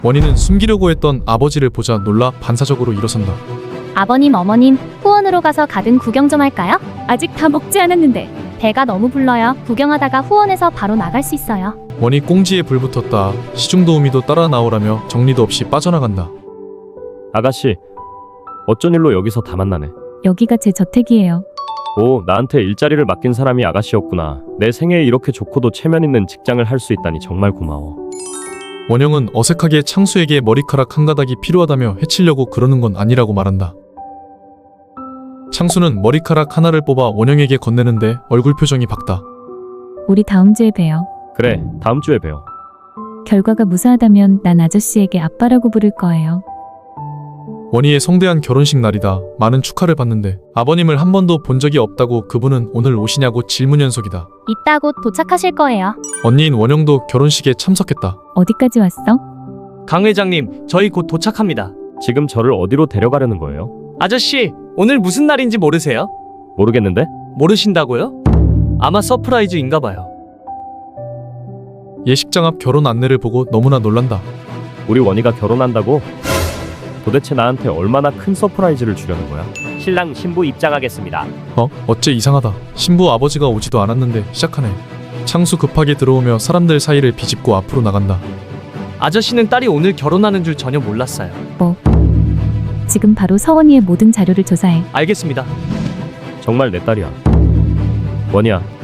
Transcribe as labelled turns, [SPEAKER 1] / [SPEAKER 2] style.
[SPEAKER 1] 원희는 숨기려고 했던 아버지를 보자 놀라 반사적으로 일어선다.
[SPEAKER 2] 아버님, 어머님, 후원으로 가서 가든 구경 좀 할까요? 아직 다 먹지 않았는데. 배가 너무 불러요. 구경하다가 후원해서 바로 나갈 수 있어요.
[SPEAKER 1] 원희 꽁지에 불 붙었다. 시중도우미도 따라 나오라며 정리도 없이 빠져나간다.
[SPEAKER 3] 아가씨, 어쩐 일로 여기서 다 만나네.
[SPEAKER 4] 여기가 제 저택이에요.
[SPEAKER 3] 오, 나한테 일자리를 맡긴 사람이 아가씨였구나. 내 생애에 이렇게 좋고도 체면 있는 직장을 할 수 있다니 정말 고마워.
[SPEAKER 1] 원영은 어색하게 창수에게 머리카락 한 가닥이 필요하다며 해치려고 그러는 건 아니라고 말한다. 창수는 머리카락 하나를 뽑아 원영에게 건네는데 얼굴 표정이 밝다.
[SPEAKER 4] 우리 다음 주에 봬요.
[SPEAKER 3] 그래, 다음 주에 봬요.
[SPEAKER 4] 결과가 무사하다면 난 아저씨에게 아빠라고 부를 거예요.
[SPEAKER 1] 원희의 성대한 결혼식 날이다. 많은 축하를 받는데 아버님을 한 번도 본 적이 없다고 그분은 오늘 오시냐고 질문 연속이다.
[SPEAKER 2] 이따 곧 도착하실 거예요.
[SPEAKER 1] 언니인 원영도 결혼식에 참석했다.
[SPEAKER 4] 어디까지 왔어?
[SPEAKER 5] 강 회장님, 저희 곧 도착합니다.
[SPEAKER 3] 지금 저를 어디로 데려가려는 거예요?
[SPEAKER 5] 아저씨, 오늘 무슨 날인지 모르세요?
[SPEAKER 3] 모르겠는데?
[SPEAKER 5] 모르신다고요? 아마 서프라이즈인가 봐요.
[SPEAKER 1] 예식장 앞 결혼 안내를 보고 너무나 놀란다.
[SPEAKER 3] 우리 원희가 결혼한다고? 도대체 나한테 얼마나 큰 서프라이즈를 주려는 거야? 신랑 신부 입장하겠습니다.
[SPEAKER 1] 어째 이상하다. 신부 아버지가 오지도 않았는데 시작하네. 창수 급하게 들어오며 사람들 사이를 비집고 앞으로 나간다.
[SPEAKER 5] 아저씨는 딸이 오늘 결혼하는 줄 전혀 몰랐어요.
[SPEAKER 4] 지금 바로 서원이의 모든 자료를 조사해.
[SPEAKER 5] 알겠습니다.
[SPEAKER 3] 정말 내 딸이야. 원희야,